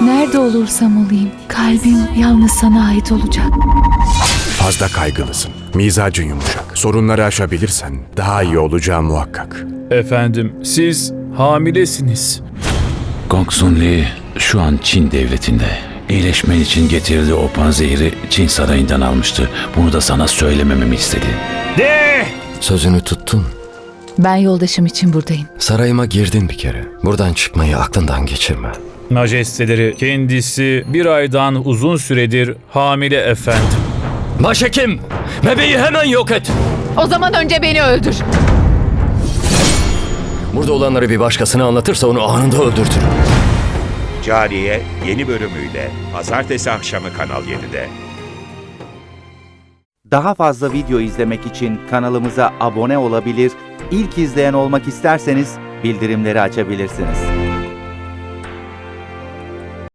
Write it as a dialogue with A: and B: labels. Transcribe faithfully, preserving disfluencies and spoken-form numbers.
A: Nerede olursam olayım, kalbim yalnız sana ait olacak.
B: Fazla kaygılısın. Mizacın yumuşak. Sorunları aşabilirsen daha iyi olacağı muhakkak.
C: Efendim, siz hamilesiniz.
D: Gongsun Li şu an Çin devletinde. İyileşmen için getirdiği o panzehiri Çin sarayından almıştı. Bunu da sana söylemememi istedi.
C: De!
E: Sözünü tuttun.
A: Ben yoldaşım için buradayım.
E: Sarayıma girdin bir kere. Buradan çıkmayı aklından geçirme.
C: Majesteleri, kendisi bir aydan uzun süredir hamile efendim.
E: Başhekim! Bebeği hemen yok et!
A: O zaman önce beni öldür.
E: Burada olanları bir başkasına anlatırsa onu anında öldürtürüm.
F: Cariye yeni bölümüyle pazartesi akşamı Kanal yedide.
G: Daha fazla video izlemek için kanalımıza abone olabilir, ilk izleyen olmak isterseniz bildirimleri açabilirsiniz.